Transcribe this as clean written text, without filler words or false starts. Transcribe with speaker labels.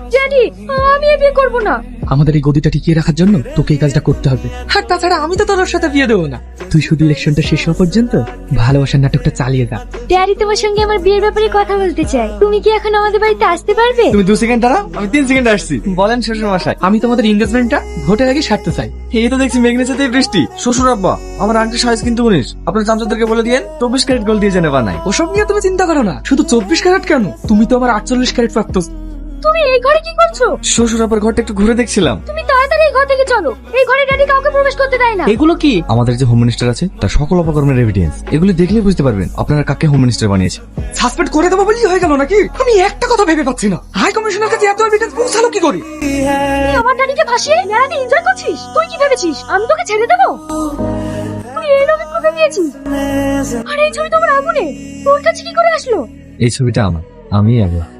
Speaker 1: Daddy, আমি এই বিয়ে করব না।
Speaker 2: আমাদের এই গদিটা টিকিয়ে রাখার জন্য তোকে এই কাজটা করতে হবে। আর তাছাড়া আমি তো তোর সাথে বিয়ে দেবো না। তুই শুধু ইলেকশনটা শেষ হওয়া পর্যন্ত ভালোবাসার নাটকটা চালিয়ে যা।
Speaker 1: ড্যাডি তোমার সঙ্গে আমার বিয়ের ব্যাপারে কথা বলতে চাই। তুমি কি এখন আমাদের বাড়িতে আসতে পারবে?
Speaker 3: তুমি 2 সেকেন্ড দাঁড়াও, আমি 3 সেকেন্ড আসছি। বলেন শ্বশুর মশাই।
Speaker 2: আমি তোমাদের এঙ্গেজমেন্টটা ভোটের আগে সারতে চাই।
Speaker 3: এই তো দেখছি মেঘনের সাথে বৃষ্টি। শ্বশুর আব্বা, আমার আংটি সাইজ কিন্তু 19। আপনার চামচাদেরকে বলে দিয়েন 24 ক্যারেট গোল্ড দিয়ে জেনে বানাই।
Speaker 2: ওসব নিয়ে তুমি চিন্তা করো না। শুধু 24 ক্যারেট কেন, তুমি তো আমার 48 ক্যারেট প্রাপ্ত।
Speaker 1: তুমি এই ঘরে কি করছো?
Speaker 3: শ্বশুর আব্বার ঘরটা একটু ঘুরে দেখছিলাম।
Speaker 1: তুমি তাড়াতাড়ি এই ঘর থেকে চলো। এই ঘরে ড্যাডি কাউকে প্রবেশ করতে দেয় না।
Speaker 2: এগুলো কি?
Speaker 3: আমাদের যে হোম মিনিস্টার আছে তার সকল অপকর্মের এভিডেন্স, এগুলি দেখলে বুঝতে পারবেন আপনারা কাকে হোম মিনিস্টার বানিয়েছে।
Speaker 2: সাসপেন্ড করে দেবো বলেই হয়ে গেল নাকি? আমি একটা কথা ভেবে পাচ্ছি না, হাই কমিশনের কাছে এত এভিডেন্স পৌঁছালো কি করে?
Speaker 1: তুই আমার ড্যাডিকে ভাসিয়ে মেলাতে এনজয় করছিস? তুই কি ভেবেছিস আমি তোকে ছেড়ে দেবো? তুই এই লোকে কোথায় পেয়েছিস? আর এই ছবি তো আমার আগুনে, তোর কাছে কি করে আসলো?
Speaker 3: এই ছবিটা আমার, আমি আগে